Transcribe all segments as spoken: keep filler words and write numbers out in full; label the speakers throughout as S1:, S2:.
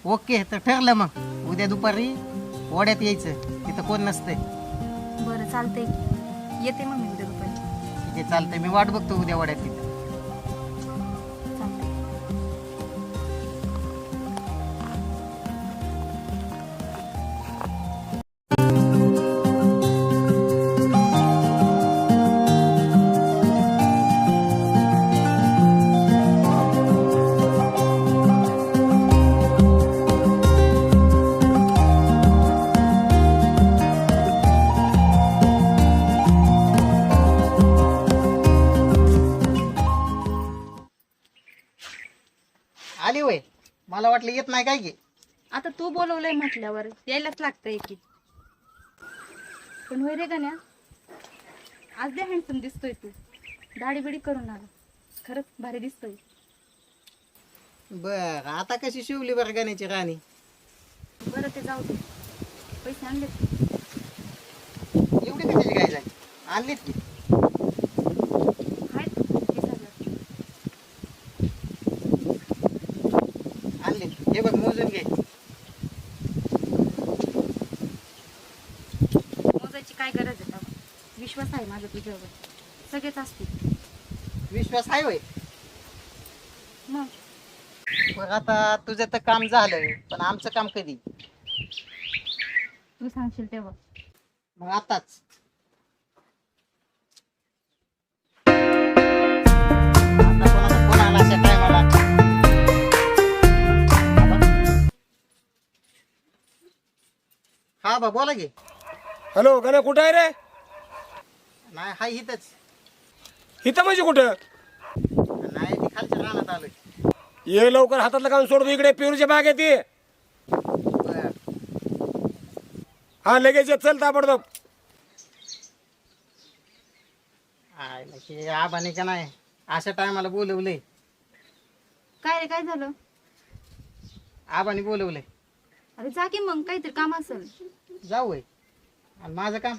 S1: Okay तर ठरलं मग उद्या दुपारी ओढ्यात यायचं तिथं कोण नसतंय.
S2: बरं चालतंय की. येते मग मी उद्या दुपारी.
S1: ठीक आहे चालतंय मी वाट बघतो उद्या ओढ्यात तिथं.
S2: चालतंय.
S1: आली वय मला वाटलं येत नाही काय की.
S2: आता तू बोलवलंय म्हटल्यावर यायलाच लागतंय की. पण होय रे गण्या, आज दे हँडसम दिसतोय तू. दाढी बिडी करून आला, खरंच भारी दिसतोय.
S1: बर आता कशी शिवली बरं गाण्याची राणी.
S2: बरं ते जाऊ दे. पैसे आणले
S1: एवढी कशाची काय झाली आणलीत की.
S2: आहेत वीस हजार.
S1: आणली हे बघ मोजून घे.
S2: मोजायची काय गरज आहे तेव्हा. विश्वास आहे माझा तुझ्यावर. सगळेच असतील.
S1: विश्वास आहे वय.
S2: मग
S1: बरं आता तुझं तर काम झालं पण आमचं काम कधी.
S2: तू सांगशील तेव्हा.
S1: मग आताच. आता कोणाचा फोन आला अशा टायमाला. हा बा बोला की.
S3: हॅलो गण्या कुठं आहे रे?
S1: नाही हाय इथंच.
S3: इथं म्हणजे कुठं?
S1: नाही ती खालच्या रानात आलोय.
S3: ये लवकर हातातलं काम सोडतो, इकडे पेरूच्या बाग आहे ती.
S1: बर
S3: हा लगेच ये, चल ताबडतोब.
S1: आय नक्की आबाने का नाही अशा टायमाला बोलवलंय.
S2: काय रे काय झालं?
S1: आबाने बोलवलंय.
S2: अरे जा की मग, काहीतरी काम असेल.
S1: जाऊ वय. आणि माझं काम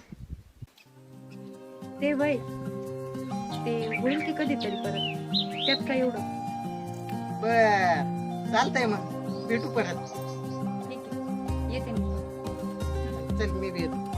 S2: ते वय ते होईल की कधीतरी परत. त्यात काय एवढं.
S1: बर चालतंय मग भेटू परत.
S2: ठीक आहे, येते मी.
S1: चल मी बी येतो.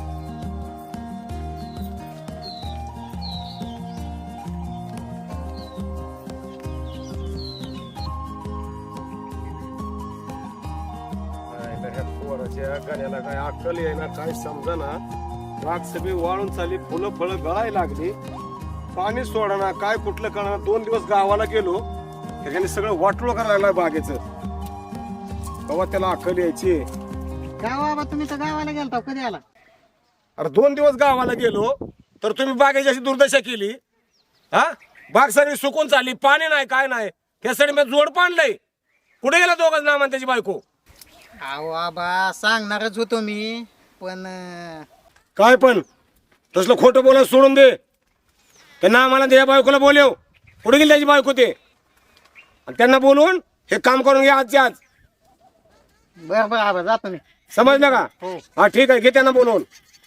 S3: गण्याला काय अक्कल आहे ना काय समजा ना. बाग सगळी वाळून चालली, फुलं फळं गळायला लागली, पाणी सोडा काय कुठलं कळणार. दोन दिवस गावाला गेलो त्याच्याने सगळं वाटोळ करायला लागला बागेचं. तेव्हा त्याला अक्कल यायची.
S1: गाव आबा तुम्ही तर गावाला गेलता कधी आला.
S3: अरे दोन दिवस गावाला गेलो तर तुम्ही बागेची अशी दुर्दशा केली. हा बाग सगळी सुकून चालली, पाणी नाही काय नाही. त्यासाठी मी जोड पाणलंय. कुठे गेला दोघं नाम त्याची बायको?
S1: अहो आबा सांगणारच होतो मी पण अं,
S3: काय पण तसलं खोटं बोलायला सोडून दे. त्यांना आम्हाला त्या बायकोला बोलव. कुठे गेली त्याची बायको ते? आणि त्यांना बोलवून हे काम करून घ्या आजच्या आज.
S1: बर बर आबा जातो मी.
S3: समजलं का?
S1: हो.
S3: हा ठीक आहे, घे त्यांना बोलवून.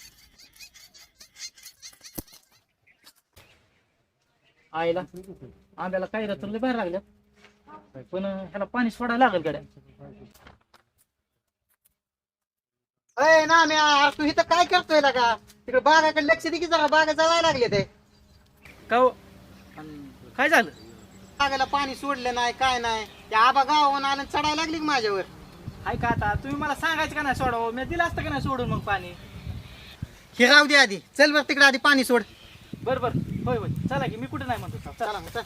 S4: आईला आंब्याला काही रचले बाहेर लागल्या, पण ह्याला पाणी सोडायला लागेल गड्या.
S1: अय ना मी तू इथं काय करतोय ना का तिकडे बागाकडे लक्ष दे की जरा. बागा जळायला लागले ते.
S4: का हो? अन काय झालं?
S1: बागाला पाणी सोडलं नाही काय नाही. त्या आबा गावाहून आलं चढायला लागली की माझ्यावर.
S4: हाय का आता तुम्ही मला सांगायचं का नाही सोडावं? मी दिलं असतं का नाही सोडून मग पाणी.
S1: हे राहू दे आधी. चल बर तिकडे आधी पाणी सोड.
S4: बर बर होय होय चला की, मी कुठे नाही म्हणतो. चला.
S1: चला मग चल.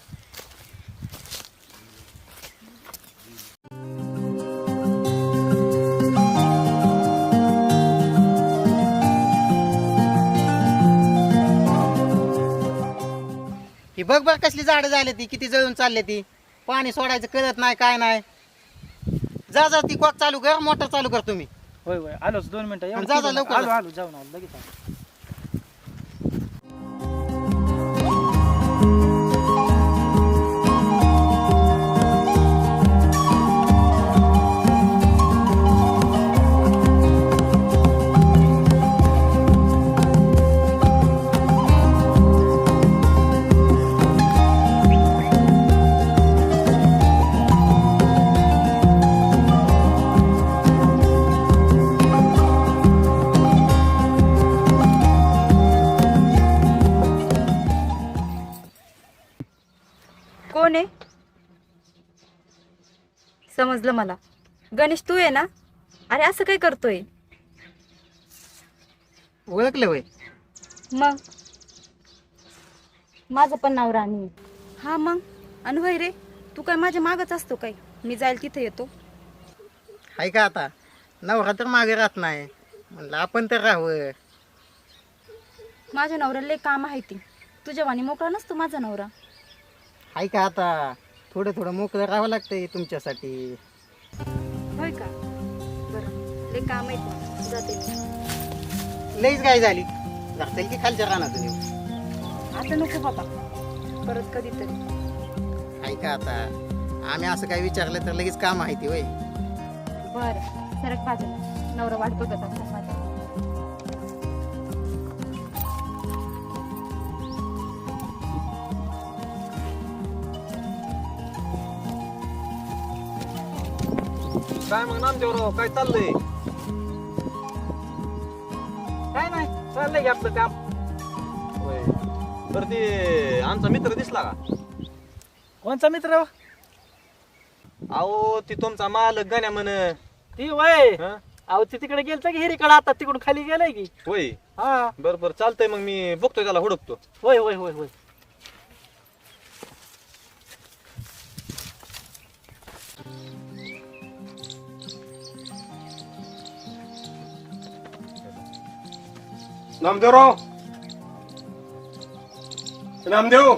S1: ही बघ बघ कसली झाडं झाली ती, किती जळून चालली ती. पाणी सोडायचं कळत नाही काय नाही. जा जा ती कॉक चालू कर, मोटर चालू कर तुम्ही.
S4: होय होय आलोच दोन मिनिटं. एवढं
S1: जा, जा,
S4: केलं ना.
S1: लवकर
S4: आलो
S1: जा.
S4: आलो जाऊन आलो लगेच आलो.
S2: कोण आहे? समजलं मला. गणेश तू आहे ना? अरे असं काय करतोय?
S1: ओळखलं वय?
S2: मग माझं पण नाव राणी आहे. हा मग अनु होय रे, तू काय माझ्या मागच असतो काय? मी जाईल तिथे येतो.
S1: हाय का आता नवरा तर मागे राहत नाही, म्हणलं आपण तर राहावं.
S2: माझ्या नवऱ्याला लय काम आहे ती. तुझ्या वाणी मोकळा नसतो माझा नवरा.
S1: हाय का आता थोडं थोडं मोकळं राहावं लागतंय तुमच्यासाठी.
S2: होय का? बरं लय काम आहे मला, जाते मी.
S1: लईच गाय झाली, जातील की खालच्या रानातून येऊ.
S2: आता नको बाबा, परत कधीतरी.
S1: हाय का आता आम्ही असं काय विचारलं तर लगेच काम आहे ती वय.
S2: बरं सरक बाजूला, नवरा वाट बघत असतात माझ्या.
S3: काय मग नामदेवराव, काय चाललंय?
S4: काय नाही, चाललंय की आपलं काम.
S5: होय. बरं ते आमचा मित्र दिसला का?
S4: कोणचा मित्र?
S5: अहो ती तुमचा मालक गण्या म्हण.
S4: ती वय
S5: हं?
S4: अहो ती तिकडे गेलता की हिरीकडे, आता तिकडून खाली गेलाय की.
S5: होय.
S4: हा
S5: बरं बरं चालतंय, मग मी बघतोय त्याला, हुडकतो.
S4: होय होय होय होय.
S3: नामदेवराव, नामदेव.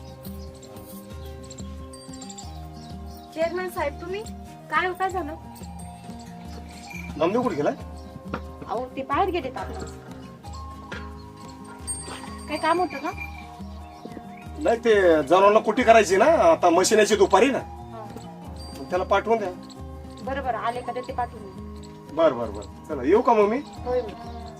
S2: चेअरमॅन साहेब तुम्ही काय काय झालं?
S3: नामदेव कुठे गेलाय?
S2: अहो ते बाहेर गेले आता. काय काम होतं का?
S3: नाही ते जनावरांना कुटी करायची ना, आता मशिनाची दुपारी ना, मग त्याला पाठवून द्या.
S2: बरं बरं आले का ते पाठवून.
S3: बर बर बर, चला येऊ का मग मी?
S2: होय होय.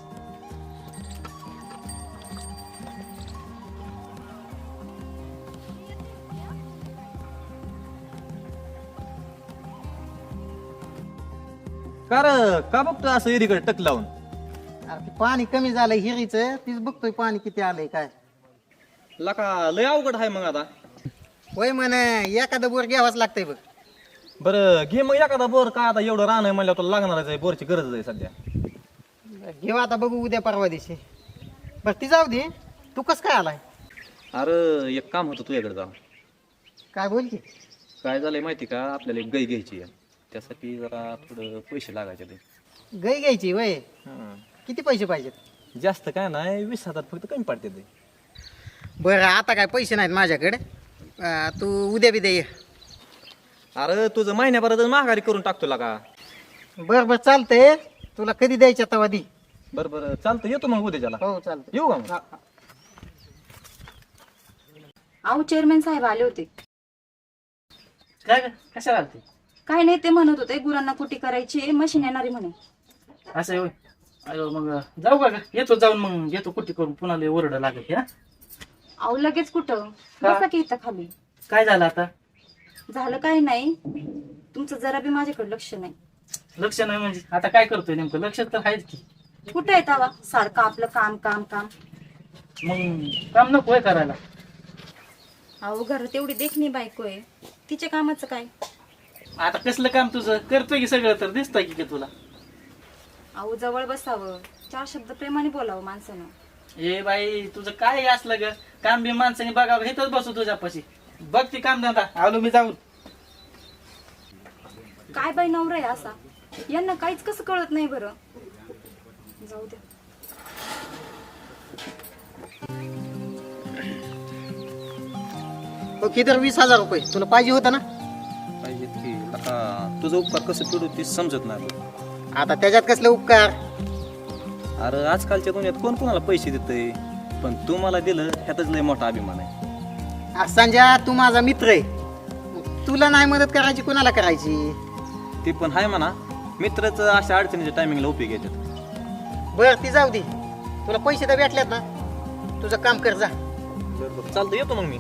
S5: कार का बघतोय असं एरीकडे टक लावून?
S1: अरे ते पाणी कमी झालंय हिरीचं, तीच बघतोय पाणी किती आलंय काय.
S5: लका लय अवघड आहे मग आता.
S1: होय म्हण एखादं बोर घ्यावाच लागतंय बघ.
S5: बरं घे मग एखादा बोर. काय आता एवढं रान आहे म्हणल्यावर तुला लागणारच आहे, बोरची गरज आहे सध्या.
S1: घेऊ आता बघू उद्या परवा दिवशी. बरं ती जाऊ दे, तू कस काय आलाय?
S5: अरे एक काम होतं तुझ्याकडे जाऊन.
S1: काय बोल की.
S5: काय झालंय माहिती का, आपल्याला एक गाय घ्यायची आहे, त्यासाठी जरा थोडं पैसे लागायचे ते.
S1: गाय घ्यायची वय? किती पैसे पाहिजेत?
S5: जास्त काय नाही, वीस हजार फक्त कमी पडते ते.
S1: बरं आता काय पैसे नाहीत माझ्याकडे, अं, तू उद्या बी दे.
S5: अरे तुझं महिन्याभरात माघारी करून टाकतो लागा.
S1: बरं बरं चालतंय, तुला कधी द्यायच्या तवा दी.
S5: बरं बरं चालतं, येतो मग उद्याच्याला.
S1: हो चालतंय.
S5: येऊ का मग?
S2: अहो चेअरमॅन साहेब आले होते.
S4: काय ग? कशाला आलती?
S2: काय नाही ते म्हणत होते गुरांना कुटी करायची, मशीन येणारी म्हणे.
S4: असं आहे होय. अयो मग जाऊ का ग? येतो जाऊन मग येतो कुठे करून, पुन्हा लय ओरडा लागेल. हा
S2: अहो लगेच कुठं,
S4: का?
S2: बसा की इथं खाली.
S4: काय झालं आता?
S2: झालं काही नाही, तुमचं जरा बी माझ्याकडे लक्ष नाही.
S4: लक्ष नाही म्हणजे आता काय करतोय नेमकं? लक्ष तर आहेच की.
S2: कुठं आहे तवा? सारखं आपलं काम काम काम.
S4: मग काम नको आहे करायला?
S2: अहो घरात एवढी देखणी बायको आहे, तिच्या कामाचं काय?
S4: आता कसलं काम तुझं? करतोय की सगळं, तर दिसतंय की का तुला?
S2: अहो जवळ बसावं, चार शब्द प्रेमाने बोलावं माणसानं.
S4: ए बाई तुझं काय असलं ग? काम बी माणसाने बघावं, इथंच बसू तुझ्यापाशी. बघ ती काम धंदा, आलो मी जाऊन.
S2: काय बाई नवरा आहे असा, यांना काहीच कसं कळत नाही बरं. जाऊ द्या.
S1: हो किती वीस हजार रुपये तुला पाहिजे होता ना?
S5: पाहिजेत की. आता तुझं उपकार कसं फेडू ते समजत नाही बघ.
S1: आता त्याच्यात कसले उपकार?
S5: अरे आजकालच्या दुनियात कोण कोणाला पैसे देतंय, पण तू मला दिलं ह्यातच लय मोठा अभिमान आहे.
S1: आज संजय तू माझा मित्र आहे, मग तुला नाही मदत करायची कोणाला करायची?
S5: ते पण आहे म्हणा, मित्रच अशा अडचणीच्या टायमिंगला उपयोग येतात.
S1: बरं ती जाऊ दे, तुला पैसे तर भेटल्यात ना, तुझं काम कर जा.
S5: बरं चालतं, येतो मग मी.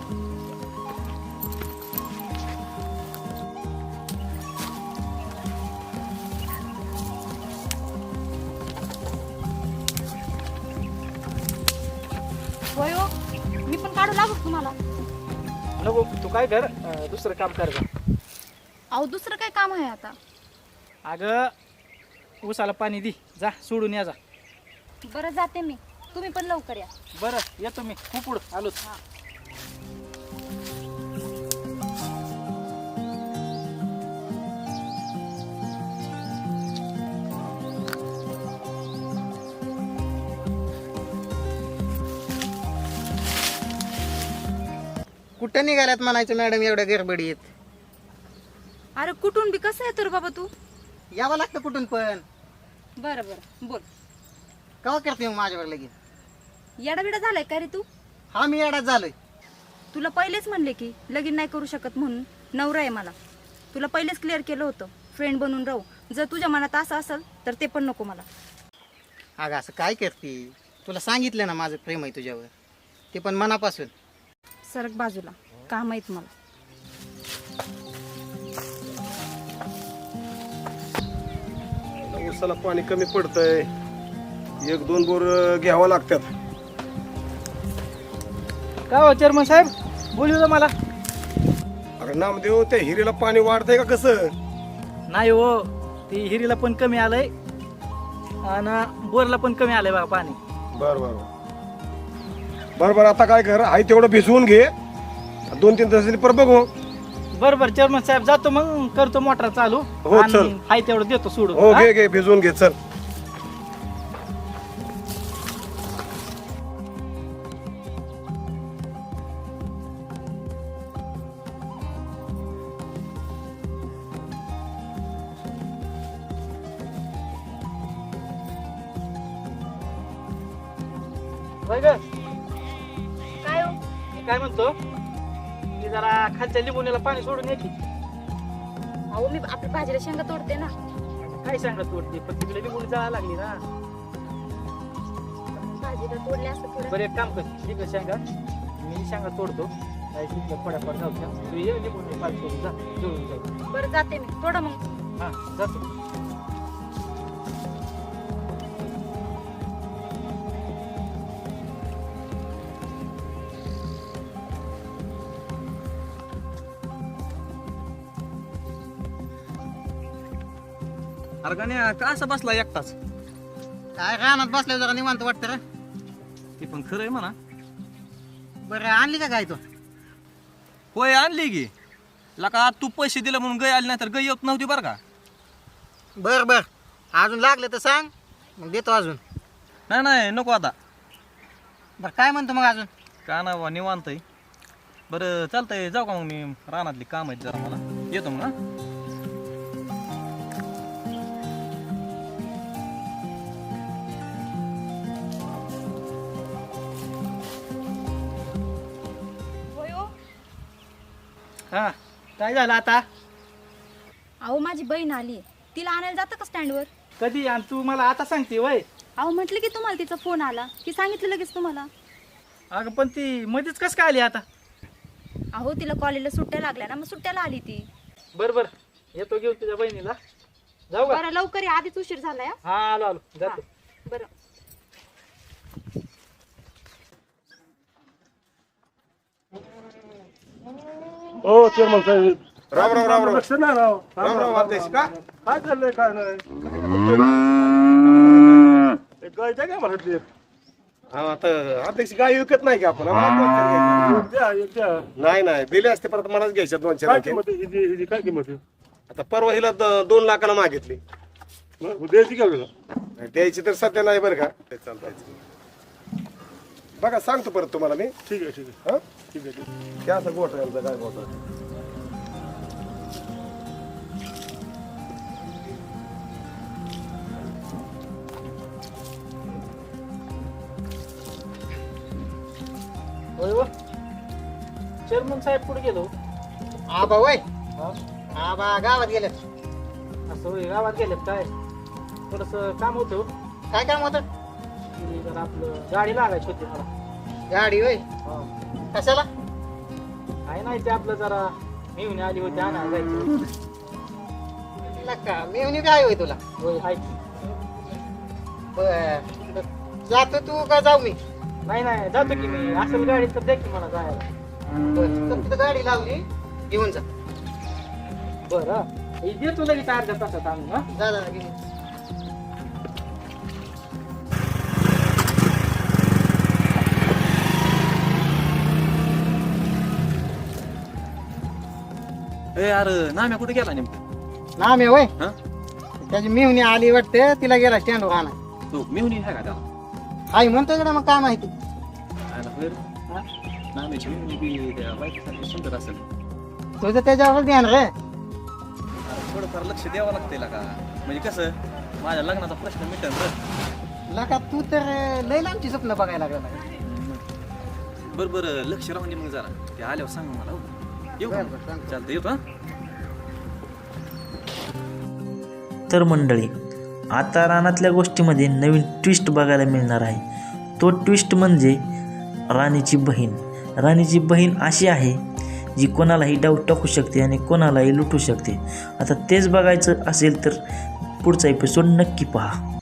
S2: होय हो, मी पण काढू लागू तुम्हाला.
S4: नको तू काय कर अं, दुसरं काम कर जा.
S2: अहो दुसरं काय काम आहे आता?
S4: अगं ऊसाला पाणी दे, जा सोडून या जा.
S2: बरं जाते मी, तुम्ही पण लवकर या.
S4: बरं येतो मी, खूप पुढं आलोच.
S1: कुठं निघाल्यात म्हणायचं मॅडम एवढ्या गडबडीत?
S2: अरे कुठून बी कसं येतो रे बाबा तू?
S1: यावं लागतं कुठून पण.
S2: बरं बरं बोल.
S1: कवा करते मग माझ्यावर लगेच?
S2: येडाबिडा झालाय का रे तू?
S1: हा मी येडाच झालोय.
S2: तुला पहिलेच म्हणले की लगीन नाही करू शकत म्हणून. नवरा आहे मला. तुला पहिलेच क्लिअर केलं होतं फ्रेंड बनून राहू. जर तुझ्या मनात असं असेल तर ते पण नको मला.
S1: अगं असं काय करते? तुला सांगितलं ना माझं प्रेम आहे तुझ्यावर, ते पण मनापासून.
S2: सरक बाजूला, काम आहेत मला.
S3: ऊसाला पाणी कमी पडतंय, एक दोन बोर घ्यावं लागतात.
S4: काय हो चेअरमन साहेब, बोलू मला.
S3: अरे नामदेव, त्या हिरीला पाणी वाढतंय का कसं?
S4: नाही हो, ती हिरीला पण कमी आलंय आणि बोरला पण कमी आलंय बघा पाणी.
S3: बर बर बर बर आता काय कर, आहे तेवढं भिजवून घे, दोन तीन तासांनी परत बघू.
S4: बरं बरं चेअरमन साहेब, जातो मग, करतो मोटर चालू.
S3: हो,
S4: आणि
S3: चल.
S4: हाय तेवढं देतो सोडून.
S3: हो
S4: हा?
S3: घे घे भिजवून घे, चल.
S4: होय गं?
S2: काय हो?
S4: मी काय म्हणतो की जरा खालच्या लिंबुनीला पाणी सोडून येते.
S2: अहो मी आपल्या भाजीला शेंगा तोडते ना.
S4: काय सांगत तोडते, पण तिकडे लिंबुनी जायला लागली ना.
S2: भाजीला तोडले असं थोडं.
S4: बरं एक काम कर, तिकडे शेंगा मी शेंगा तोडतो. काय तिकडे फडाफड जाऊच्या तू ये लिंबुनी पाणी सोडून जा, जुळून जाऊ.
S2: बरं जाते मी, थोडं मग.
S4: हा जातो.
S5: अरे गाण्या का असं बसला एकटाच?
S1: काय रानात बसल्या जरा निवांत वाटतं रे.
S5: ती पण खरं आहे म्हणा.
S1: बरं आणली का काय तू?
S5: होय आणली की. लका तू पैसे दिले म्हणून गय आली नाही तर गय येत नव्हती बरं का.
S1: बर बर अजून लागलं तर सांग, मग देतो अजून.
S5: नाही नाही नको आता.
S1: बरं काय म्हणतो मग अजून?
S5: का ना बा निवांत आहे. बरं चालतंय, जाऊ का मग मी, रानातली काम आहेत जरा मला. येतो मग. हा
S2: होय हो?
S4: हा काय झालं आता?
S2: अहो माझी बहीण आली, तिला आणायला जातं का स्टँडवर?
S4: कधी? आणि तू मला आता सांगते वय?
S2: अहो म्हटलं की तुम्हाला तिचा फोन आला की सांगितलं लगेच तुम्हाला.
S4: अगं पण ती मध्येच कसं काय आली आता?
S2: अहो तिला कॉलेजला सुट्ट्या लागल्या ना, मग सुट्ट्याला आली ती.
S4: बरं बरं येतो घेऊन तुझ्या बहिणीला. जाऊ का?
S2: बरं लवकर या, आधीच उशीर झालाय. हा?
S4: हा आलो आलो जातो.
S2: बरं.
S3: हो चेअरमन साहेब, राम राम राम राम. राम राम अध्यक्ष. का
S6: काय चाललंय काय नाही गाय द्या काय मला ते.
S3: हा आता अध्यक्ष गाय विकत नाही का आपण? आम्हाला दोन चार घ्यायच्या.
S6: द्या, एक द्या.
S3: नाही नाही दिले असते, परत मलाच घ्यायच्या दोन चार
S6: काय
S3: आणखी.
S6: किंमत आहे? हिची- हिची काय किंमत आहे?
S3: आता परवा हिला द- दोन लाखाला मागितली.
S6: मग द्यायची का वेळा?
S3: नाही, द्यायची तर सध्या नाही बरं का. ते चालतायचं बघा, सांगतो परत तुम्हाला मी.
S6: ठीक आहे ठीक आहे
S3: हा
S6: ठीक आहे ठीक आहे.
S3: क्या असं गोठ आहे आमचा, काय गोठ आहे.
S4: होय हो? चेअरमन साहेब कुठे गेलो?
S1: आबा वय
S4: हा?
S1: आबा गावात गेलेत.
S4: असं होय, गावात गेलेत काय? थोडस काम होतं
S1: काय काम होतं?
S4: की जरा आपलं गाडी लागायची होती मला.
S1: गाडी होय?
S4: हा.
S1: कशाला?
S4: आहे नाही ते आपलं जरा मिळून आली होती, आणा जायचं.
S1: नका मी काय होय तुला?
S4: होय हाय.
S1: बर जातो तू का जाऊ मी?
S4: नाही नाही जातो की मी, असेल गाडी तर द्या की मला जायला.
S1: बरं, तर तिथं गाडी लावली घेऊन जा.
S4: बरं हे देतो लगेच अर्ध्या तासात आणून हा
S1: जा जा घेऊन जा.
S5: ए अरे नाम्या कुठे गेला नेमकं
S1: नाम आहे वय
S5: हा
S1: त्याची मेहुणी आली वाटते तिला गेला स्टँडवर आणा.
S5: तू मेहुणी आहे का त्याला
S1: आई म्हणतोय का मग काय माहिती.
S5: आयला होय रे.
S1: हा?
S5: नाम्याची मेहुणी बी त्या बायकोसारखी सुंदर असेल.
S1: तुझं त्याच्यावर ध्यान रे.
S5: अरे थोडंफार लक्ष द्यावं लागतंय का म्हणजे कसं माझ्या लग्नाचा प्रश्न मिटन रे.
S1: लका तू तर लय लांबची स्वप्न बघायला लागला.
S5: बरं बरं लक्ष राहून दे मग जरा ते आल्यावर सांग मला हो. येऊ का?
S1: बरं, बरं, सांगतो.
S5: चालतं येतो हा
S7: तर मंडळी आता रानातल्या गोष्टीमध्ये नवीन ट्विस्ट बघायला मिळणार आहे. तो ट्विस्ट म्हणजे राणीची बहीण. राणीची बहीण अशी आहे जी कोणालाही डाऊट टाकू शकते आणि कोणालाही लुटू शकते. आता तेच बघायचं असेल तर पुढचा एपिसोड नक्की पहा.